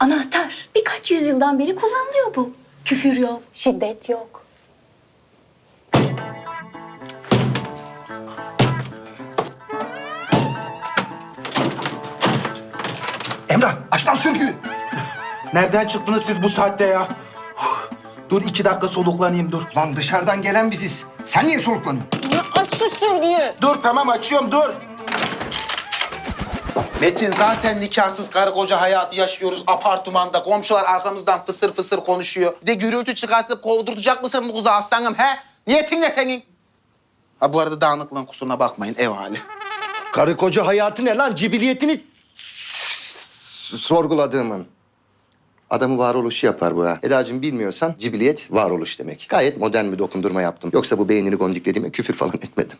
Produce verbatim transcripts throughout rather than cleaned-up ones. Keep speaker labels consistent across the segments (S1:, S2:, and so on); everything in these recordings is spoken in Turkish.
S1: Anahtar. Birkaç yüzyıldan beri kullanılıyor bu. Küfür yok, şiddet yok.
S2: Emrah, aç lan sürgüyü.
S3: Nereden çıktınız siz bu saatte ya? Dur iki dakika soluklanayım dur.
S2: Lan dışarıdan gelen biziz. Sen niye soluklanıyorsun?
S1: Ya aç şu sürgüyü.
S3: Dur tamam açıyorum dur.
S4: Metin zaten nikahsız karı koca hayatı yaşıyoruz apartmanda. Komşular arkamızdan fısır fısır konuşuyor. Bir de gürültü çıkartıp kovdurtacak mısın bu kızı aslanım he? Niyetin ne senin? Ha bu arada dağınıklığın kusuruna bakmayın ev hali.
S2: Karı koca hayatı ne lan? Cibiliyetini s- sorguladığımın. Adamı varoluşu yapar bu ha. Edacığım bilmiyorsan cibiliyet varoluş demek. Gayet modern bir dokundurma yaptım. Yoksa bu beynini gondiklediğime küfür falan etmedim.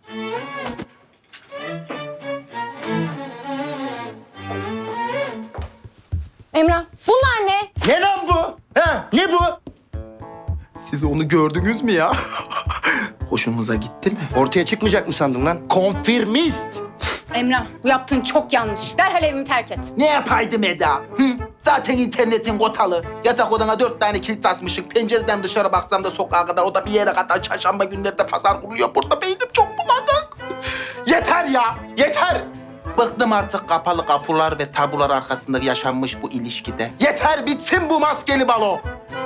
S1: Emrah, bunlar ne?
S2: Ne lan bu? Ha? Ne bu?
S4: Siz onu gördünüz mü ya? Hoşunuza gitti mi?
S2: Ortaya çıkmayacak mı sandın lan? Konfirmist.
S1: Emrah, bu yaptığın çok yanlış. Derhal evimi terk et.
S4: Ne yapaydım Eda? Hı? Zaten internetin kotalı. Yatak odana dört tane kilit asmışsın. Pencereden dışarı baksam da sokağa kadar, o da bir yere kadar. Çarşamba günleri de pazar kuruluyor. Burada beynim çok bulanık. Yeter ya, yeter. Bıktım artık kapalı kapılar ve tabular arkasında yaşanmış bu ilişkide. Yeter, bitsin bu maskeli balo.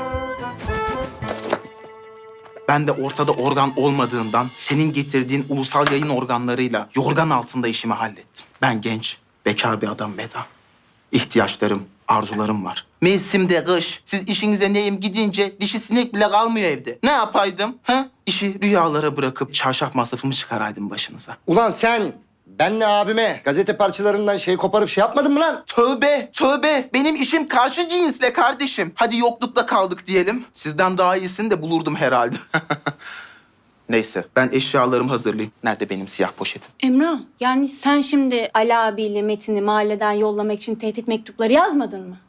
S4: Ben de ortada organ olmadığından senin getirdiğin ulusal yayın organlarıyla yorgan altında işimi hallettim. Ben genç, bekar bir adam Meda. İhtiyaçlarım, arzularım var. Mevsimde kış, siz işinize neyim gidince dişi sinek bile kalmıyor evde. Ne yapaydım? Ha? İşi rüyalara bırakıp çarşaf masrafımı çıkaraydım başınıza.
S2: Ulan sen benle abime gazete parçalarından şey koparıp şey yapmadın mı lan?
S4: Tövbe, tövbe. Benim işim karşı cinsle kardeşim. Hadi yoklukta kaldık diyelim. Sizden daha iyisini de bulurdum herhalde. Neyse, ben eşyalarımı hazırlayayım. Nerede benim siyah poşetim?
S1: Emrah, yani sen şimdi Ali abiyle Metin'i mahalleden yollamak için tehdit mektupları yazmadın mı?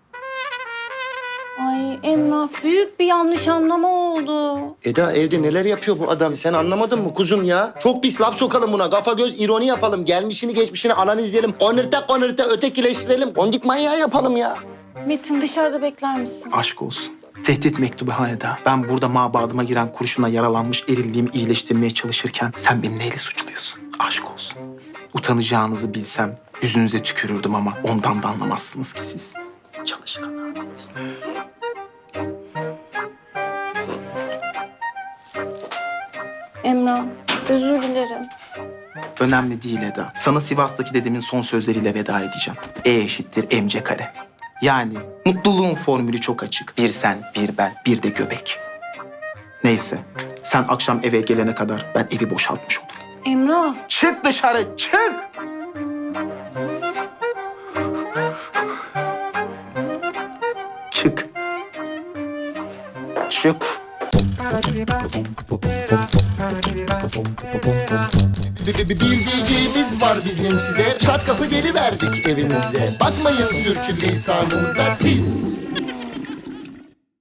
S1: Ay Emrah, büyük bir yanlış anlama oldu.
S2: Eda evde neler yapıyor bu adam? Sen anlamadın mı kuzum ya? Çok pis laf sokalım buna. Kafa göz ironi yapalım. Gelmişini geçmişini analizleyelim. Konırta konırta ötekileştirelim. Kondik manyağı yapalım ya.
S1: Metin dışarıda bekler misin?
S4: Aşk olsun. Tehdit mektubu haneda. Ben burada mabadıma giren kurşuna yaralanmış erilliğimi iyileştirmeye çalışırken sen beni neyle suçluyorsun? Aşk olsun. Utanacağınızı bilsem yüzünüze tükürürdüm ama ondan da anlamazsınız ki siz. Çalışkan Ahmet.
S1: Emrah, özür dilerim.
S4: Önemli değil Eda. Sana Sivas'taki dedemin son sözleriyle veda edeceğim. E eşittir mc kare. Yani mutluluğun formülü çok açık. Bir sen, bir ben, bir de göbek. Neyse, sen akşam eve gelene kadar ben evi boşaltmış olurum.
S1: Emrah.
S4: Çık dışarı, çık! Çık. Çık.
S2: Bir, bir, bir diyeceğimiz var bizim size. Çat kapı geliverdik evinize. Bakmayın sürçülisanımıza siz.